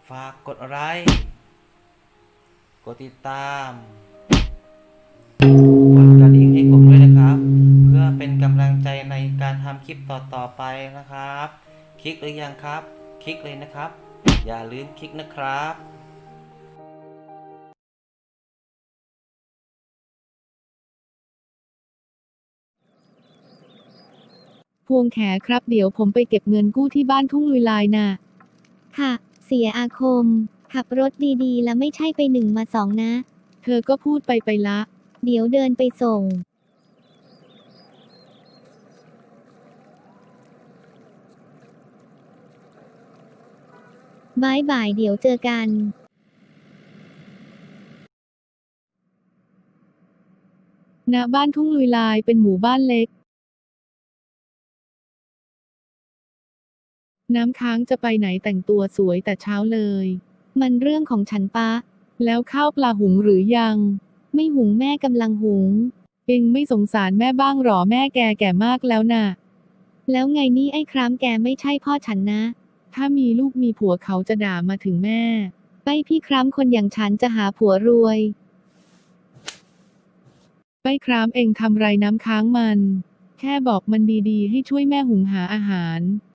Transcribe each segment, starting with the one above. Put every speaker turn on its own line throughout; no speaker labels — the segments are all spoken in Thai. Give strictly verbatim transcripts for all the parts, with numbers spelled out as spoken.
ฝากกดไลค์กดติดตามกดกระดิ่งให้ผมด้วยนะครับเพื่อเป็นกำลังใจในการทำคลิปต่อๆไปนะครับคลิกหรือยังครับคลิกเลยนะครับอย่าลืมคลิกนะครับ
พวงแขครับเดี๋ยวผมไปเก็บเงินกู้ที่บ้านทุ่งลุยลายน่ะ
ค่ะ เสียอาคม ขับรถดีๆ แล้วไม่ใช่ไปหนึ่งมาสองนะ
เธอก็พูดไปไปละ
เดี๋ยวเดินไปส่งบายบายเดี๋ยวเจอกัน
ณ บ้านทุ่งลุยลายเป็นหมู่บ้านเล็ก น้ำค้างจะไปไหนแต่งตัวสวยแต่เช้าเลย
มันเรื่องของฉันปะ
แล้วข้าวปลาหุงหรือยัง
ไม่หุงแม่กำลังหุง
เองไม่สงสารแม่บ้างหรอแม่แกแก่มากแล้วน่ะ
แล้วไงนี่ไอ้ครามแกไม่ใช่พ่อฉันนะ
ถ้ามีลูกมีผัวเขาจะด่ามาถึงแม่
ไปพี่ครามคนอย่างฉันจะหาผัวรวย
ไปครามเองทำไรน้ำค้างมัน แค่บอกมันดีๆให้ช่วยแม่หุงหาอาหาร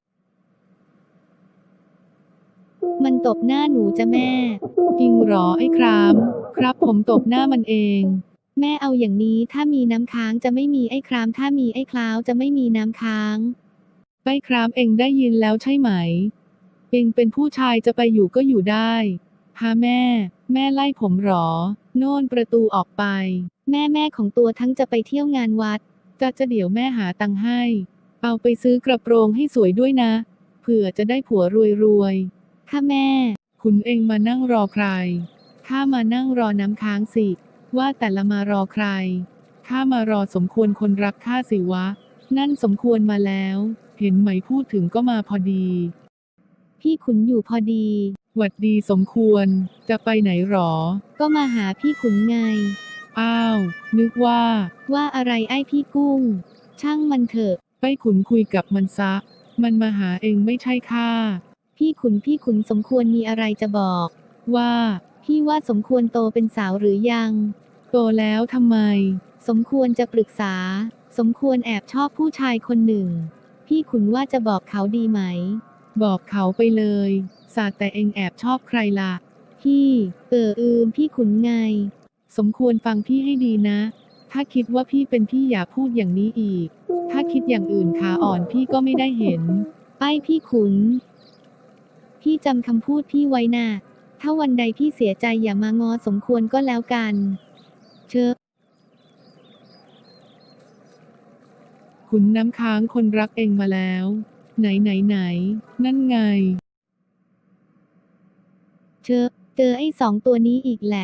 มันตบหน้าหนูจะแม่
จริงหรอไอ้คราม ครับผมตบหน้ามันเอง
แม่เอาอย่างนี้ถ้ามีน้ำค้างจะไม่มีไอ้ครามถ้ามีไอ้คลาวจะไม่มีน้ำค้าง
ไปครามเองได้ยินแล้วใช่ไหม เองเป็นผู้ชายจะไปอยู่ก็อยู่ได้ฮะแม่ แม่ไล่ผมหรอ โน่นประตูออกไป
แม่แม่ของตัวทั้งจะไปเที่ยวงานวัด
จะจะเดี๋ยวแม่หาตังค์ให้ เอาไปซื้อกระโปรงให้สวยด้วยนะ เผื่อจะได้ผัวรวยๆ
ค่ะแม่
คุณเองมานั่งรอใคร ข้ามานั่งรอน้ำค้างสิ ว่าแต่ละมารอใคร ข้ามารอสมควรคนรักข้าสิวะ นั่นสมควรมาแล้ว เห็นไหมพูดถึงก็มาพอดี
พี่ขุนอยู่พอดี
หวัดดีสมควร จะไปไหนหรอ
ก็มาหาพี่ขุนไง
อ้าว นึกว่า
ว่าอะไรไอ้พี่กุ้ง ช่างมันเถอะ
ไปขุนคุยกับมันซะ มันมาหาเองไม่ใช่ข้า
พี่ขุนพี่ขุนสมควรมีอะไรจะบอก
ว่า
พี่ว่าสมควรโตเป็นสาวหรือยัง
โตแล้วทำไม
สมควรจะปรึกษา สมควรแอบชอบผู้ชายคนหนึ่ง พี่ขุนว่าจะบอกเขาดีไหม
บอกเขาไปเลยสาแต่เองแอบชอบใครล่ะ
พี่ เอออืมพี่ขุนไง
สมควรฟังพี่ให้ดีนะ ถ้าคิดว่าพี่เป็นพี่อย่าพูดอย่างนี้อีก ถ้าคิดอย่างอื่นขาอ่อนพี่ก็ไม่ได้เห็น
ไปพี่ขุน พี่จำคำพูดพี่ไว้นะถ้าวันใดพี่เสียใจอย่ามางอสมควรก็แล้วกัน เชอะ
ขุนน้ำค้างคนรักเองมาแล้ว ไหนไหนไหน นั่นไง
เชอะ เจอไอ้สองตัวนี้อีกแหละ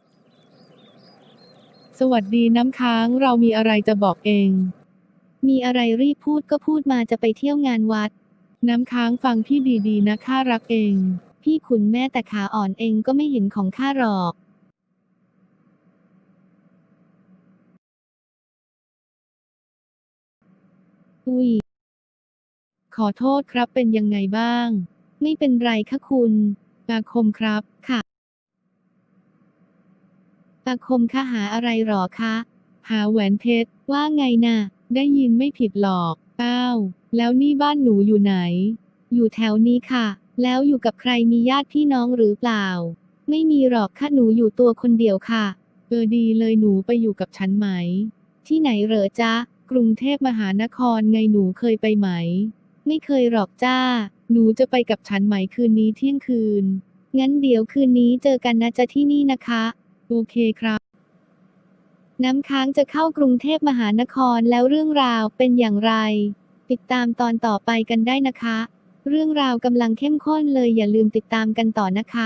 สวัสดีน้ำค้างเรามีอะไรจะบอกเอง
มีอะไรรีบพูดก็พูดมาจะไปเที่ยวงานวัด
น้ำค้างฟังพี่ดีๆนะข้ารักเอง
พี่ขุนแม่แต่ขาอ่อนเองก็ไม่เห็นของข้าหรอก อุ้ย
ขอโทษครับเป็นยังไงบ้าง
ไม่เป็นไรค่ะคุณ
อาคมครับ
ค่ะอาคมคะหาอะไรหรอคะ
หาแหวนเพชร
ว่าไงน่ะ
ได้ยินไม่ผิดหรอกอ้าวแล้วนี่บ้านหนูอยู่ไหน
อยู่แถวนี้ค่ะ แล้วอยู่กับใครมีญาติพี่น้องหรือเปล่า ไม่มีหรอกค่ะหนูอยู่ตัวคนเดียวค่ะ
เออดีเลยหนูไปอยู่กับฉันไหม
ที่ไหนเหรอจ๊ะ
กรุงเทพมหานครไงหนูเคยไปไหม
ไม่เคยหรอกจ้า
หนูจะไปกับฉันไหมคืนนี้เที่ยงคืน
งั้นเดี๋ยวคืนนี้เจอกันนะจ๊ะที่นี่นะคะ
โอเคครับ
น้ำค้างจะเข้ากรุงเทพมหานครแล้วเรื่องราวเป็นอย่างไร ติดตามตอนต่อไปกันได้นะคะ เรื่องราวกำลังเข้มข้นเลยอย่าลืมติดตามกันต่อนะคะ